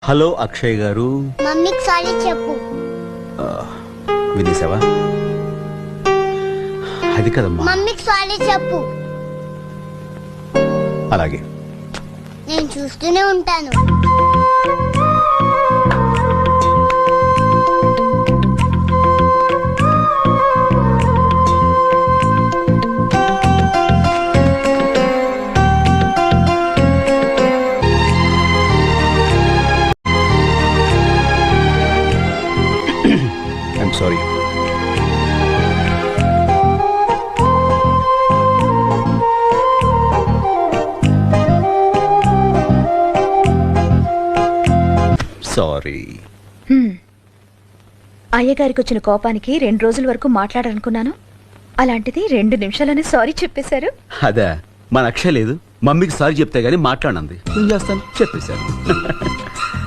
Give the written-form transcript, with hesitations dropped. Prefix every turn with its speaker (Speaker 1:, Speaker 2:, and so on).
Speaker 1: Hello Akshay గారు.
Speaker 2: మమ్మీకి sorry చెప్పు.
Speaker 1: వినేసావా? అది కదమ్మా.
Speaker 2: మమ్మీకి సారీ చెప్పు.
Speaker 1: అలాగే.
Speaker 2: నేను చూస్తూనే ఉంటాను.
Speaker 1: I'm sorry. సారీ.
Speaker 3: అయ్యగారికి వచ్చిన కోపానికి 2 రోజుల వరకు మాట్లాడాలనుకున్నాను. అలాంటిది 2 నిమిషాలని సారీ చెప్పేశారు.
Speaker 1: అదే మన అక్షయ్ లేదు, మమ్మీకి సారీ చెప్తే గానీ మాట్లాడండి. ఏం చేస్తాను, చెప్పేశాను.